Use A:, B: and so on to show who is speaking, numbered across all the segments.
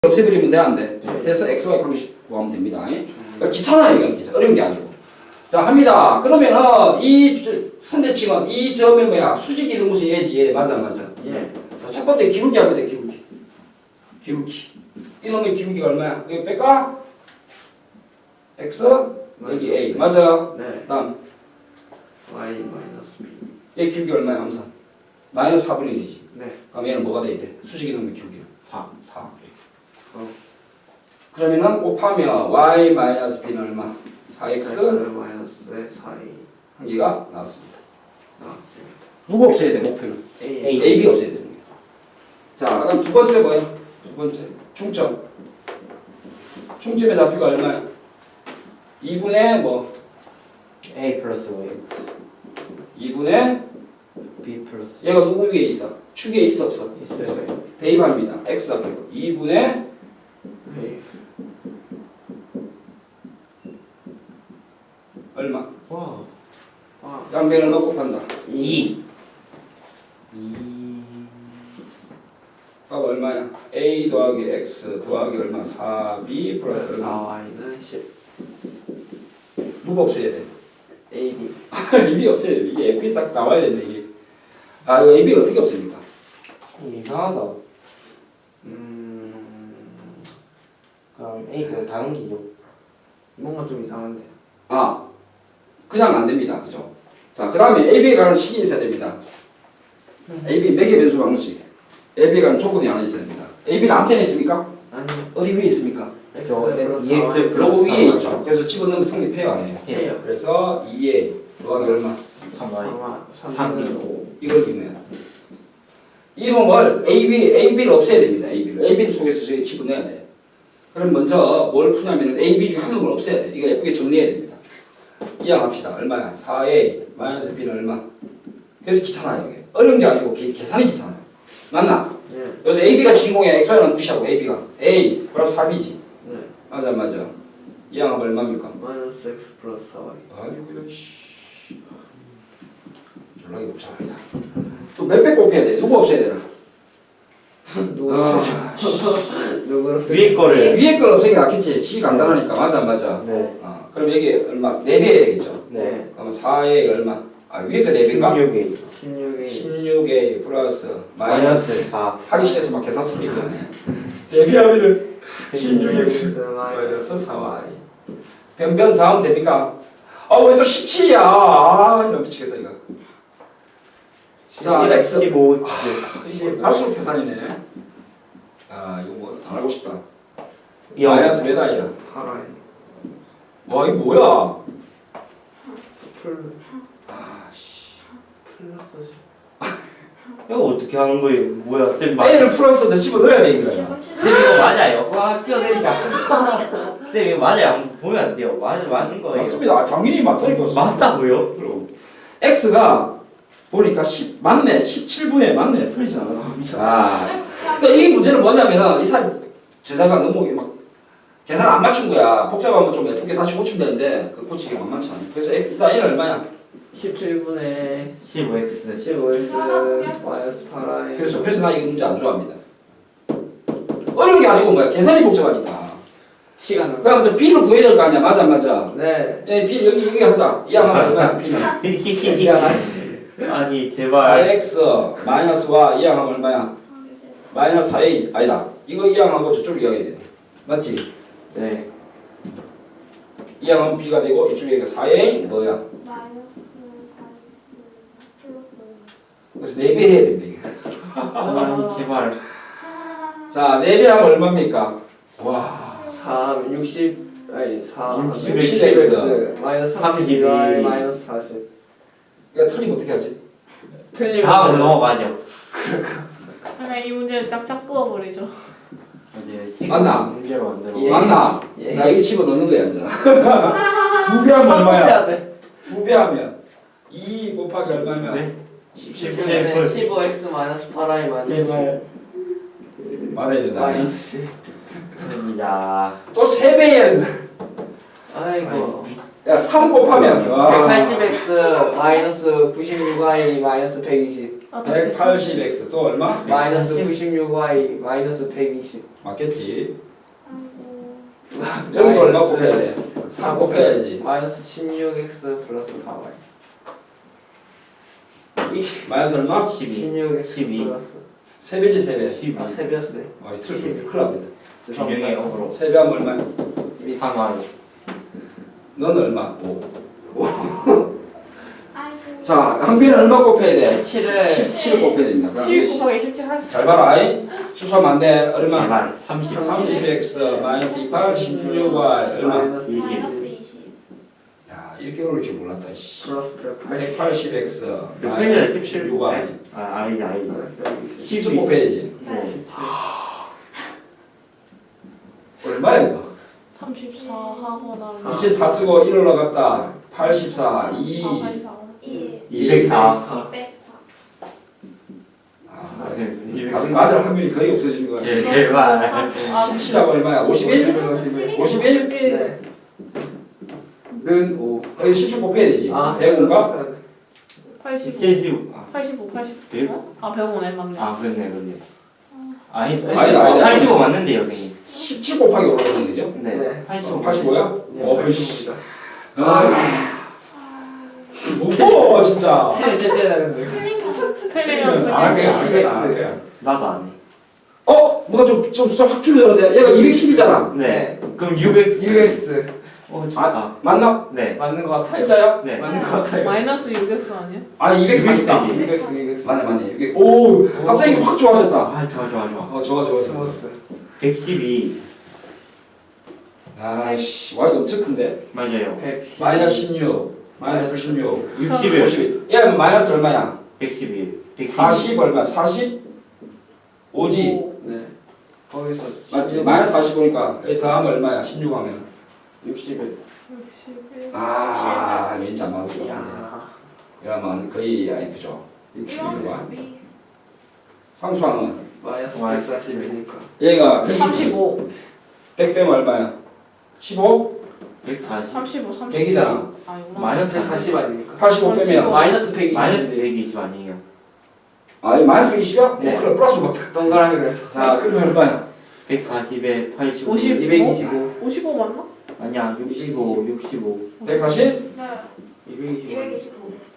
A: 없애버리면 돼, 안 돼?
B: 네.
A: 돼서 XY 관계식 구하면 됩니다. 그러니까 귀찮아요, 이건. 어려운 게 아니고. 자, 합니다. 그러면은 이 선대칭은 이 점의 뭐야? 수직이 있는 곳이 얘지, 얘. 맞아, 맞아.
B: 예.
A: 자, 첫 번째 기울기 하면 돼, 기울기. 기울기. 이놈의 기울기가 얼마야? 이거 뺄까? X, 여기 A. 맞아.
B: 네.
A: 다음.
B: y 마이너스 b.
A: 얘 기울기 얼마야, 암산? 마이너스 4분의 1이지.
B: 네.
A: 그럼 얘는 뭐가 돼야 돼? 수직이 있는 기울기는?
B: 4.
A: 4. 그러면은 곱하면 y 마이너스 b는 얼마? 4x
B: 마이너스의 4a.
A: 한 개가 나왔습니다.
B: 나왔습니다.
A: 누구 없애야 돼, 목표는?
B: a.
A: AB 없애야 되는 거야. 자, 그럼 두 번째 뭐야? 두 번째 중점. 중점의 좌표가 얼마야? 2분의 뭐?
C: A 플러스 Y
A: 2분의
C: B 플러스
A: 얘가 누구 위에 있어? 축 위에 있어 없어?
C: 있어요.
A: 대입합니다. x 좌표 2분의
B: a.
A: 얼마?
C: 와
B: 아.
A: 양변을 얼마 곱한다?
C: 2
A: 값 얼마야? a 더하기 x 더하기 얼마? 4b 플러스 얼마?
B: 4y는 10.
A: 누구 없애야 돼?
B: a, b.
A: AB 없애야 돼. 이게 F이 딱 나와야 되는데 이게. 아, 이거 AB를 어떻게 없앱니까?
C: 이상하다. 그럼 A 그냥 다 넘기죠.
B: 뭔가 좀 이상한데.
A: 아, 그냥 안 됩니다. 그죠? 자, 그 다음에 AB에 관한 식이 있어야 됩니다. AB 매개 변수 방식. AB에 관한 조건이 하나 있어야 됩니다. AB는 앞편에 있습니까?
B: 아니.
A: 어디 위에 있습니까?
B: x
C: 저
B: 플러스
C: EX
B: 4y.
C: 플러스
A: 로고 위에
C: 3y.
A: 있죠. 그래서 집어넣으면 성립해요, 안 해요?
B: 해요.
A: 그래서 2에 더하기 얼마?
C: 3Y
B: 3은 5.
A: 이걸 기면 이놈을 AB를 없애야 됩니다. AB를 속에서 저기 집어넣어야 돼. 그럼 먼저 뭘 푸냐면은 AB 중에 한 놈을 없애야 돼. 이거 예쁘게 정리해야 됩니다. 이항합시다. 얼마야? 4A 마이너스 B는 얼마? 그래서 귀찮아요. 이게. 어려운 게 아니고 계산이 귀찮아요. 맞나?
B: 예.
A: 여기서 AB가 주인공이야. XY는 무시하고 AB가 A 플러스 4B지.
B: 네.
A: 맞아 맞아. 이항하면 얼마입니까?
B: 마이너스 x 플러스 4y.
A: 아이고 이거 씨. 졸라게 복잡합니다. 또 몇 배 곱해야 돼? 누구 없애야 되나?
B: 누구
A: 아,
B: 누구로
C: 위에 거를
A: 위에 걸 없애기 낫겠지. 시 간단하니까. 맞아 맞아.
C: 네.
A: 그럼 여기 얼마? 4배 해야겠죠.
C: 네.
A: 그러면 4에 얼마? 아 위에 거 4배인가?
C: 16A
B: 16이
A: 16에 플러스 마이너스
C: 마이너스 4
A: 하기 싫어서 막 계산 틀리거든. 대비하면은 16x 마이너스 4y. 변변 다음 됩니까? 아 왜 또 17이야? 아 이거 미치겠다 이거. 자 x
C: 15
A: 이거 갈수록 계산이네. 아 이거 뭐 안 하고 싶다.
C: 영.
A: 마이너스 몇 아이야?
B: 8y.
A: 와 이거 뭐야?
B: 풀
A: 아씨.
B: 플러스.
C: 이거 어떻게 하는 거예요? 뭐야? 쌤
A: A를 플러스 더 집어 넣어야 돼 이거.
C: 쌤 이거 맞아요?
B: 와 뛰어내리자.
C: 쌤 이거 맞아요? 보면 안 돼요. 맞는 거예요.
A: 맞습니다. 아, 당연히 맞다니까.
C: 맞다고요?
A: 그럼 X가 보니까 10 맞네. 17분에 맞네. 풀리지 않았어. 아. 그러니까 이 문제는 뭐냐면은 이 사람 제자가 너무 막 계산 안 맞춘 거야. 복잡하면 좀 예쁘게 다시 고치면 되는데 그 고치기 만만치 않아. 그래서 X 일단 얘는 얼마야?
B: 17분의
C: 15X
B: 15x 마이너스 8y.
A: 그래서 나 이 문제 안 좋아합니다. 어려운 게 아니고 뭐야. 계산이 복잡하니까.
B: 시간은.
A: 그럼 저 B를 구해야 될 거 아니야. 맞아 맞아.
B: 네.
A: 예, B 여기 하자. 이 양은 얼마야? B는.
C: 아니 제발
A: 4x 마이너스 y 이 양은 얼마야? 마이너스 4a 아니다. 이거 이 양하고 저쪽으로 이야기해야 돼. 맞지?
C: 네
A: 이 양은 b가 되고 이쪽에 4a 뭐야?
D: 마이너스 40 플러스
A: 그래서 4배 해야 된다 이게.
C: 아니 제발
A: 자 4배 하면 얼마입니까? 와
B: 3 60 아니 4
A: 60x
B: 마이너스
C: 32
B: 32y 마이너스 40.
A: 이거 틀리면 어떻게 하지?
B: 틀리면
C: 다음 넘어가죠.
D: 그냥 이 문제를 쫙쫙 그어버리죠.
C: 이제
A: 맞나?
C: 문제로 만들어.
B: 예.
A: 맞나?
B: 예.
A: 자 이거 집어넣는 거야 이제. 2배 하면 얼마야?
B: 해야 돼.
A: 2배 하면 2 곱하기 얼마면?
C: 네?
B: 17분의 15x 마이너스 8y 마이너스
C: 제발
A: 맞아야 된다.
B: 마이너스.
C: 됩니다.
A: 또 3배 해야 된다.
B: 아이고.
A: 야, 3 곱하면 와,
B: 180x 마이너스 96y 마이너스 120
A: 180x 또 얼마?
B: 마이너스 96y 마이너스 120
A: 맞겠지? 여기도 얼마 곱해야 돼? 4 곱해야지.
B: 마이너스 16x 플러스 4y
A: 마이너스 얼마?
B: 16x
C: 12.
B: 플러스
A: 3배지 3배.
C: 12.
B: 아 3배였네
A: 아, 이 틀릴 큰일 납니다.
C: 균형의 역으로
A: 3배 하면 얼마야?
C: 3y.
A: 너는 얼마? 5.
D: 아이고.
A: 자, 항비는 얼마 곱해야 돼?
B: 17을
A: 17 곱해야 됩니다. 그럼
D: 10 곱하기 17 할 수.
A: 잘 봐라. 아이. 수수하면 안 돼. 얼마?
C: 제발 30.
A: 30x 마이너스 28, 16y 얼마?
B: 마이너스 20
E: 마이너스 20.
A: 야, 이렇게 어려울 줄 몰랐다. 씨.
B: 플러스 180
A: 180x
C: 몇
A: 마이너스
C: 페이지야?
A: 16y.
C: 아 아니지 아니지.
A: 10 곱해야지.
E: 네.
A: 얼마야 이거?
D: 34 하고 나면
A: 24 쓰고 1 올라갔다. 84, 2.
E: 2.
C: 204.
E: 204.
A: 아, 답을 맞을 확률이 거의 없어지는 거야.
C: 예 제발.
A: 17하고 얼마야? 51? 51?
B: 네. 는 5.
A: 거의 10초 곱해야 되지.
B: 아
A: 105인가?
D: 85
C: 75.
D: 85 80
C: 백?
D: 아 105네 맞네.
C: 아 그렇네 그렇네. 아니
A: 아니다.
C: 85 맞는데요 선생님.
A: 17 곱하기 5라는 거죠?
C: 네. 85.
A: 85야?
B: 네,
A: 어,
B: 85입니다.
A: 무거워 진짜.
B: 틀릴 때 되는데.
E: 틀리면
D: 틀리면
A: 아,
D: 그냥
A: 그래,
B: 110x.
A: 아, 그래.
C: 나도 안 해.
A: 뭐가 좀확 줄여야 얘가 210이잖아.
C: 네. 그럼 6x.
B: 6x
C: 좋다.
A: 맞나?
C: 네.
B: 맞는 거 같아요.
A: 진짜야?
C: 네.
B: 맞는 거 같아요.
D: 마이너스 6x 아니야?
A: 아니 204니까.
B: 6x
A: 맞네. 이게 오 갑자기 확 좋아졌다.
C: 아 좋아.
A: 좋아.
B: 스모스
C: 112.
A: 아이씨 와 이거 엄청 큰데.
C: 맞아요.
B: 110
A: 마이너스 16, 마이너스 96,
C: 61.
A: 51. 얘는 마이너스 얼마야?
C: 111.
A: 40 얼마? 40? 5지.
B: 네. 거기서
A: 맞지? 마이너스 45니까 여기 더하면 얼마야? 16 하면.
B: 61.
D: 61
A: 아 왠지 안 맞을 것 같은데.
B: 야.
A: 그러면 거의 아니 그죠? 61과
E: 이런
A: 상수항은
B: 마이너스
C: 마이너스
B: 140이니까.
A: 얘가 100이지.
D: 35
A: 100 빼면 얼마야? 15?
C: 140.
D: 35 30
A: 100이잖아.
D: 아니구나.
C: 마이너스
B: 140 아닙니까?
A: 85 빼면
B: 마이너스 120.
C: 마이너스 120 아니에요.
A: 아 이거 마이너스 120이야?
B: 네.
A: 그래 플러스 같아.
B: 동그라미로 해서.
A: 자 그러면 얼마야?
C: 140에 85.
D: 50.
B: 225.
D: 55 맞나?
C: 아니야 65.
A: 140?
E: 네.
B: 225.
E: 225.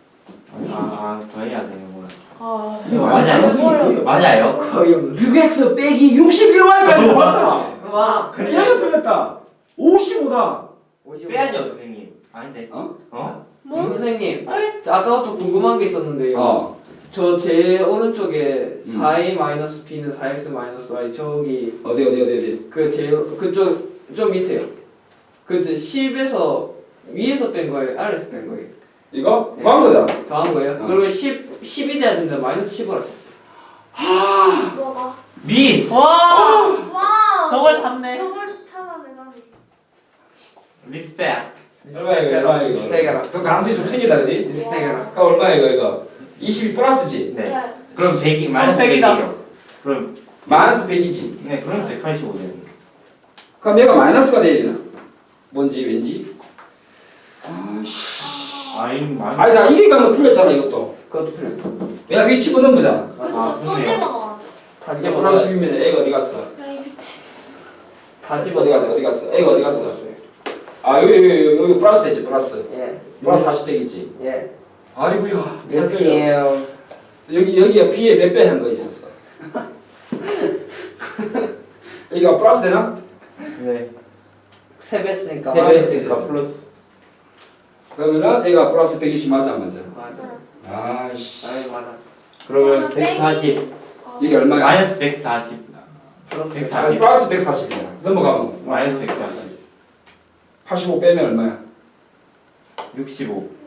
C: 더 해야 되는구나.
D: 아
A: 이거
C: 맞아요.
A: 맞아요.
C: 맞아요.
B: 거의 없는.
A: 6x 빼기 61y까지 맞다.
B: 와.
A: 얘가 틀렸다. 55다.
B: 55.
C: 빼야죠 선생님. 아닌데.
A: 어?
D: 뭐?
B: 선생님. 저 아까부터 궁금한 게 있었는데요. 저 제 오른쪽에 4a 마이너스 b는 4x 마이너스 y 저기
A: 어디?
B: 그 제일 그쪽 좀 밑에요. 그 10에서 위에서 뺀 거예요? 아래에서 뺀 거예요?
A: 이거 구한 거잖아.
B: 더한 거예요?
A: 어.
B: 그리고 10이 돼야 되는데 마이너스 10을 하셨어요.
E: 뭐가?
C: 미스.
D: 와
E: 와.
D: 저걸 잡네.
E: 저걸 찾아내다니.
C: 리스펙.
A: 얼마야 이거?
B: 스테이크라.
A: 그 가능성이 좀 생기다 그지?
B: 스테이크라.
A: 그 얼마야 이거? 22 플러스지?
C: 네.
E: 네.
C: 그럼 100이 마이너스
D: 100이다.
C: 100이요. 그럼
A: 마이너스 100이지.
C: 네 그럼 185 되는.
A: 그럼 얘가 마이너스가 돼야 되나? 뭔지 왠지? 아씨. 아니 나 이게 가면 틀렸잖아 이것도.
B: 그것도 틀려.
A: 왜냐 위에 집어넣은 거잖아.
E: 그쵸. 또
C: 그러네요.
E: 집어넣어.
B: 다
A: 이제
B: 집어
A: 플러스 10이면 애가 어디 갔어?
D: 아이 미치.
B: 다 집어
A: 어디 갔어? 애가 어디 갔어? 아 여기 플러스 되지 플러스.
B: 예.
A: 플러스 40 되겠지.
B: 예.
A: 아이고야. 잘
B: 몇
A: 틀려.
B: 개예요?
A: 여기가 B에 몇 배 한 거 있었어. 여기가 플러스 되나?
C: 네.
B: 3배 쓰니까
A: 세 배
B: 마이너스
A: 했으니까
C: 플러스.
A: 그러면은 얘가 플러스 120 맞아 안 맞아?
B: 맞아.
A: 아이씨.
B: 아이 맞아.
C: 그러면 140.
A: 이게 얼마야?
C: 마이너스 140.
B: 플러스
C: 140.
A: 아니, 플러스 140이야. 넘어가면
C: 마이너스 140.
A: 85 빼면 얼마야?
C: 65.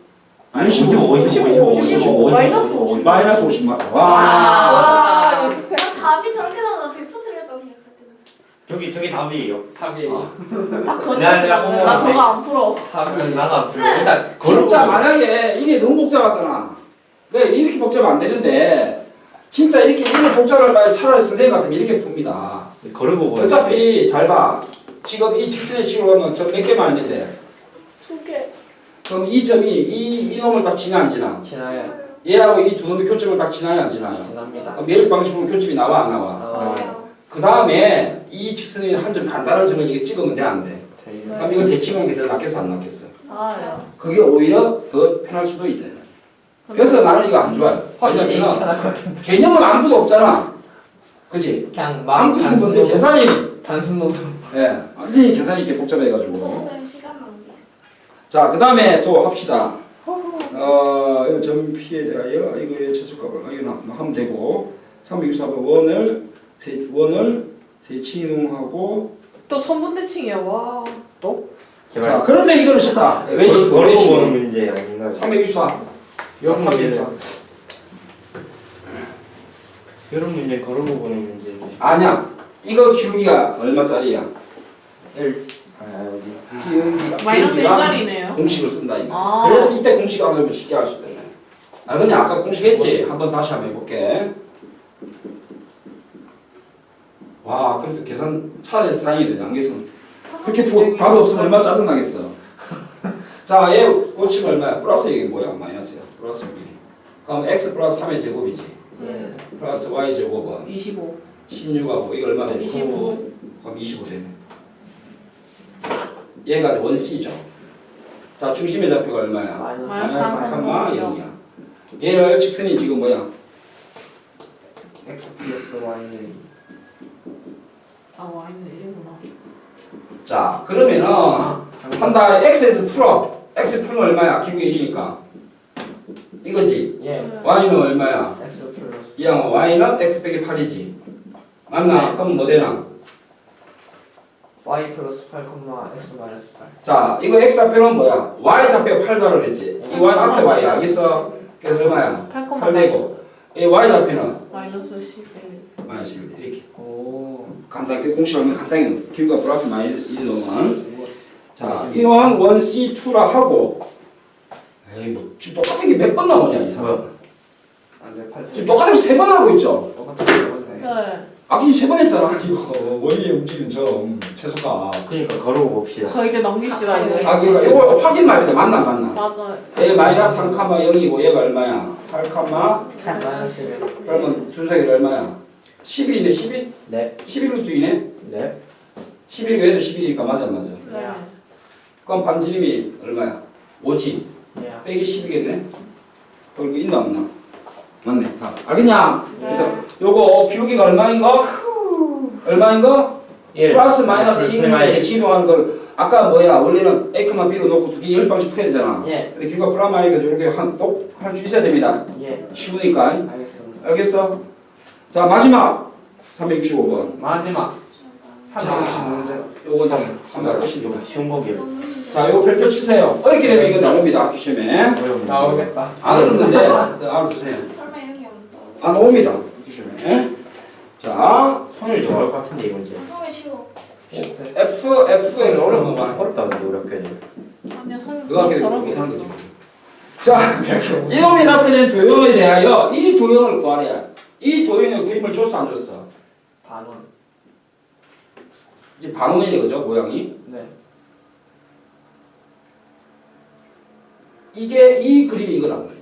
D: 55. 마이너스 50.
A: 마이너스 50 맞아. 와.
B: 와.
E: 난 답이 저렇게 나오면 100% 틀렸다고 생각했거든.
C: 저기 답이에요.
B: 답이에요.
D: 딱
C: 내가
D: 저거 나 저거 안 풀어.
B: 답이
C: 나도 안 풀려.
E: 쌤!
C: 일단
A: 진짜
C: 걸어보고.
A: 만약에 이게 너무 복잡하잖아. 왜 이렇게 복잡하면 안 되는데 진짜 이렇게 복잡할 바에 차라리 선생님 같으면 이렇게 풉니다.
C: 걸어보고.
A: 어차피 잘 봐. 지금 이 직선의 식으로 가면 저 몇 개만 있는데
D: 두 개.
A: 그럼 이 점이 이 놈을 딱 지나 안 지나?
B: 지나요.
A: 얘하고 이 두 놈의 교점을 딱 지나요 안 지나요?
B: 지납니다.
A: 그럼 매력 방식으로 교점이 나와 안 나와?
B: 어,
A: 그 다음에 이 직선의 한 점 간단한 점을 이게 찍으면 돼 안 돼?
B: 돼요.
A: 그럼 이걸 대칭하는 게 더 낫겠어 안 낫겠어?
D: 아,
A: 그게 오히려 더 편할 수도 있대. 그래서 나는 이거 안 좋아요.
B: 확실히
A: 왜냐면
B: 편할 것 같은데.
A: 개념은 아무도 없잖아. 그치?
B: 그냥 마음
A: 아무도
B: 단순
A: 없는데
B: 노동.
A: 계산이
B: 단순 노동.
A: 예, 완전히 계산이 이렇게 복잡해가지고.
E: 저는 시간 낭비.
A: 자, 그 다음에 또 합시다. 이거 점 P에 대하여 이거의 최소값을 이거 하면 되고 364번 원을 대칭이동하고
D: 또 선분대칭이야. 와.
C: 제발.
A: 자, 그런데 이거는 쉽다. 왜 쉽다?
C: 걸어
A: 왜
C: 보는
A: 쉽다?
C: 문제 아닌가요?
A: 364.
C: 여러 문제는
A: 364.
C: 여러 문제 걸어보고 보는 문제인데.
A: 아니야. 이거 기울기가 얼마짜리야?
C: 1. 아 여기.
A: 기울기가
D: 마이너스 1짜리네요.
A: 공식을 쓴다 이거.
D: 아.
A: 그래서 이때 공식 안 하면 쉽게 할 수 있다. 알겠냐? 아까 공식 했지? 한번 다시 한번 해볼게. 와, 그래도 계산 차라리 다행이네. 안 계산. 그렇게 답 없으면 얼마나 짜증나겠어. 자, 얘 고치면 얼마야? 플러스 이게 뭐야? 마이너스야. 플러스 1. 그럼 x 플러스 3의 제곱이지.
D: 예.
A: 플러스 y 제곱은
D: 25.
A: 16하고 이거 얼마 되지?
D: 25.
A: 그럼 25 되네. 얘가 원C죠. 자, 중심의 좌표가 얼마야?
B: 마이너스
A: 마이너스
D: 3,0.
A: 3,0이야. 얘를 직선이 지금 뭐야?
B: x 플러스 y는
D: 아, 와인은 1이구나.
A: 자, 그러면은 한다 x에서 풀어. x 풀면 얼마야? 기울기 1이니까. 이거지.
B: 예.
A: y는 얼마야?
B: x 플러스
A: 이 양은 y는 x 빼기 8이지. 맞나?
B: 네.
A: 그럼 뭐 되나?
B: y 플러스 8, x 마이너스 8.
A: 자, 이거 x 앞에는 뭐야? y 좌표에 8 달을 했지. 이 y 앞에 y 알겠어? 그래서 얼마야?
D: 8,8.
A: 8 되고. 이 y 좌표는
D: 마이너스 11.
A: 마이너스 1 이렇게.
B: 오.
A: 감상하게 공식 하면 감상이 기울기가 플러스 마이너스 1 넣으면. 자, 이왕 1C2라 하고. 에이, 뭐 지금 똑같은 게 몇 번 나오냐 이 사람.
B: 안돼 8.
A: 지금 똑같은 거 3번 하고 있죠.
B: 똑같은 거네.
D: 네.
A: 아까 3번 했잖아. 이거 원위에 움직이는 점 최소값.
C: 그러니까 걸어보고 봅시다.
D: 거 이제 넘깁시다. 이제.
A: 아, 그러니까 이거 확인 말이다. 맞나 안 맞나?
D: 맞아요.
A: A 마이너스 3,0이고 얘가 얼마야? 8,
B: 마이너스 1.
A: 그러면 준석이 얼마야? 11이네 11?
C: 네.
A: 11루트이네?
C: 네.
A: 11이고 얘도 11이니까 맞아 안 맞아?
D: 네.
A: 그럼 반지름이 얼마야? 5지?
B: 예.
A: 빼기 10이겠네? 그럼 그 있나 없나? 맞네 다 알겠냐? 그래서 요거 기울기가 얼마인 거? 얼마인 거?
C: 1.
A: 플러스 마이너스 2인
C: 마이너스.
A: 대칭이동하는 걸 아까 뭐야 원래는 A만 B로 놓고 두 개 10방씩 풀어야 되잖아.
B: 예.
A: 근데 기울기가 플라마이니까 이렇게 꼭 할 수 있어야 됩니다.
B: 예.
A: 쉬우니까.
B: 알겠습니다.
A: 알겠어? 자 마지막 365번.
B: 마지막
A: 자,
B: 365문제.
A: 요거 좀 한번 훨씬 좀.
C: 쉬운 거기로.
A: 자, 요거 별표 치세요. 어렵게 되면 이거 나옵니다. 학교 시험에.
B: 나오겠다.
A: 안 어렵는데 알아두세요.
E: 설마 이런 게안 떠.
A: 안 옵니다. 학교 시험에. 자,
C: 손을 좀 어려울 것 같은데 이 문제.
E: 성을 쉬워.
A: F 어려운 거 봐.
C: 어렵다는데 어렵게.
D: 아니야, 설
A: 그거 학교
D: 저런 게
A: 못하는
D: 있어.
A: 거지. 자, 이놈이 나타낸 도형에 대하여 이 도형을 구하래야. 이 도형의 그림을 줬어 안 줬어?
B: 반원.
A: 이제 반원이네 그죠 모양이?
B: 네.
A: 이게 이 그림이 이거란 말이야.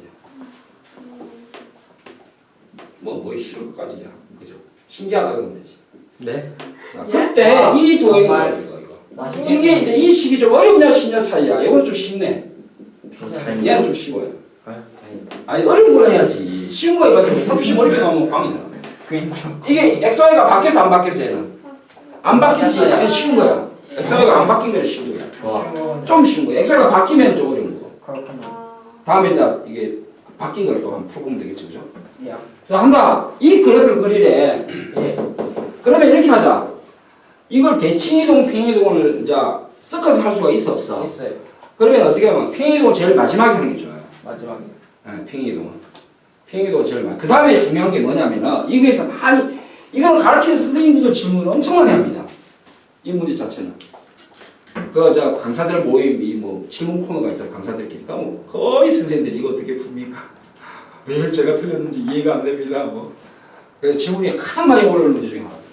A: 뭐 쉬울 것까지야, 그죠? 신기하다 그러면 되지.
C: 네.
A: 자,
D: 예?
A: 그때
B: 아,
A: 이 도형이
B: 정말.
A: 뭐야, 이거.
B: 맛있게.
A: 이게 이제 이 식이 좀 어렵냐 쉽냐 차이야. 이거는 좀 쉽네.
C: 좀
B: 네.
C: 다행이다.
A: 얘는 좀 쉬워요.
C: 아, 다행이다.
A: 아니 어려운 걸 해야지. 쉬운 거 해가지고 학교시 어렵게 나오면 빵이잖아.
B: 그 인정.
A: 이게 XY가 바뀌었어 안 바뀌었어 얘는? 안 바뀌지. 얘는 쉬운 거야. XY가 안 바뀐 거는 쉬운 거야.
C: 좋아.
A: 좀 쉬운 거야. XY가 바뀌면 좀 어려운 거고.
B: 그렇군요.
A: 다음에 이제 이게 바뀐 걸 또 한번 풀어보면 되겠죠, 그죠?
B: 예.
A: 자 한다. 이 그래프를 그리래.
B: 예.
A: 그러면 이렇게 하자. 이걸 대칭이동, 평이동을 이제 섞어서 할 수가 있어 없어?
B: 있어요.
A: 그러면 어떻게 하면 평이동을 제일 마지막에 하는 게 좋아요.
B: 마지막에.
A: 평이동은. 평이동은 제일 마지막. 그 다음에 중요한 게 뭐냐면은 이거에서 많이 이걸 가르치는 선생님들도 질문을 엄청 많이 합니다. 이 문제 자체는. 그 저 강사들 모임 이 뭐 질문 코너가 있잖아 강사들끼리. 뭐 거의 선생님들이 이거 어떻게 풉니까? 왜 제가 틀렸는지 이해가 안 됩니다. 뭐. 그래서 질문이 가장 많이 올라오는 문제 중에 하나입니다.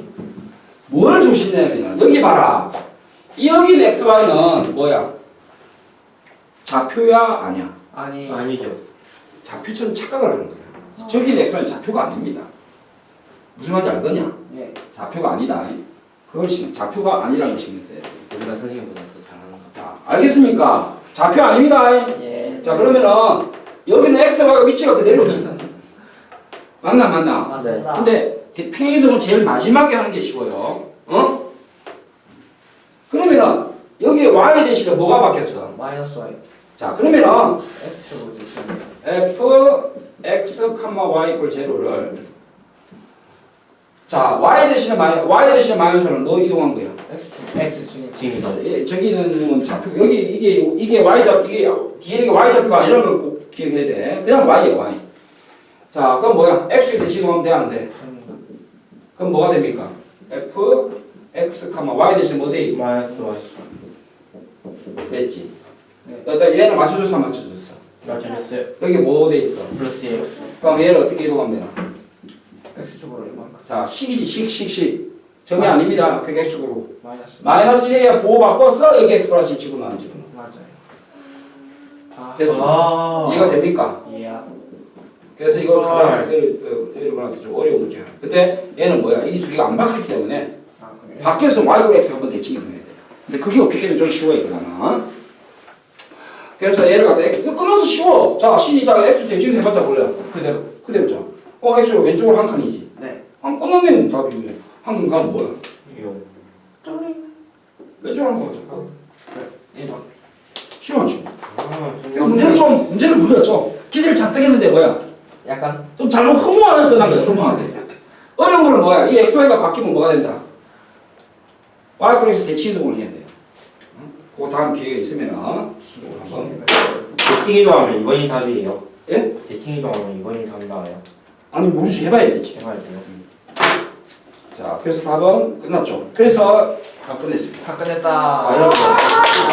A: 뭘 조심해야냐면 여기 봐라. 이 여기 XY는 뭐야? 좌표야 아니야?
B: 아니
C: 아니죠.
A: 좌표처럼 착각을 하는 거야. 저기 x는 좌표가 아닙니다. 무슨 말인지 알겠냐?
B: 예.
A: 좌표가 아니다. 그걸 좌표가 아니라는 걸 신경 써야 돼.
C: 우리가 선생님보다 더 잘하는 거.
A: 자, 알겠습니까? 좌표 아닙니다.
B: 예.
A: 자, 그러면은 여기는 x와 위치가 그대로지. 맞나?
B: 맞습니다.
A: 근데 평행이동은 제일 마지막에 하는 게 쉬워요. 어? 그러면은 여기에 y 대신에 뭐가 바뀌었어?
B: 마이너스 y
A: 자, 그러면은
B: x축으로 대칭.
A: f x, y 이퀄 제로를 자, y 대신에 마이너스는 뭐 이동한 거야?
B: x축.
C: 지금
A: 예, 저기는 좌표 여기 이게 y 좌표 이게 뒤에 이게 y 좌표가 아니라는 걸 꼭 기억해야 돼. 그냥 y야 y. 자, 그럼 뭐야? x 대신하면 돼 안 돼? 그럼 뭐가 됩니까? f x, y 대신 뭐 돼 있고?
C: 마이너스 y.
A: 됐지.
B: 네.
A: 일단 얘는 맞춰줬어, 안 맞춰줬어.
C: 맞춰줬어요.
A: 여기 뭐 돼 있어?
C: 플러스 x.
A: 그럼 얘를 어떻게 이동하면 되나?
B: x축으로 이만큼.
A: 자, 식이지, 식. 점이 아닙니다. 그게 x축으로.
B: 마이너스.
A: 마이너스 1에 보호 바꿨어. 여기 x 플러스 1 집어넣은 집어넣어.
B: 맞아요. 아.
A: 됐어. 이해가 됩니까?
B: 예.
A: 그래서 이거 가장 여러분한테 좀 어려운 문제야. 근데 얘는 뭐야? 이 둘이가 안 바뀌기 때문에
B: 아 그래요?
A: 바뀌어서 y고 x 한번 대칭이 돼야 돼. 근데 그게 없기 때문에 좀 쉬워 이거는. 그래서 얘를 갖다 이거 끊어서 쉬워. 자, 신이자 x 대칭 해봤자 몰라.
B: 그대로.
A: 그대로죠. x가 왼쪽으로 한 칸이지.
B: 네.
A: 한 끊어내면 답이네. 한 칸 가면 뭐야?
C: 요.
A: 왼쪽으로 한 칸. 가자.
B: 1번.
A: 쉬워 안 쉬워?
C: 아,
A: 이거 문제를 무리였죠. 기대를 잔뜩 했는데 뭐야?
B: 약간
A: 좀 잘못 허무하게 끝난 거야. 허무하게. 어려운 거는 뭐야? 이 xy가 바뀌면 뭐가 된다? y 플러스 대칭 이동을 해야 돼요. 그 다음 기회가 있으면 한번.
C: 대칭 이동하면 2번이 답이에요.
A: 예?
C: 대칭 이동하면 2번이 답이 나와요.
A: 아니 모르지 해봐야지.
C: 해봐야 돼요.
A: 자, 그래서 답은 끝났죠. 그래서 다 끝냈습니다.
B: 다 끝냈다.
A: 아, 이렇게.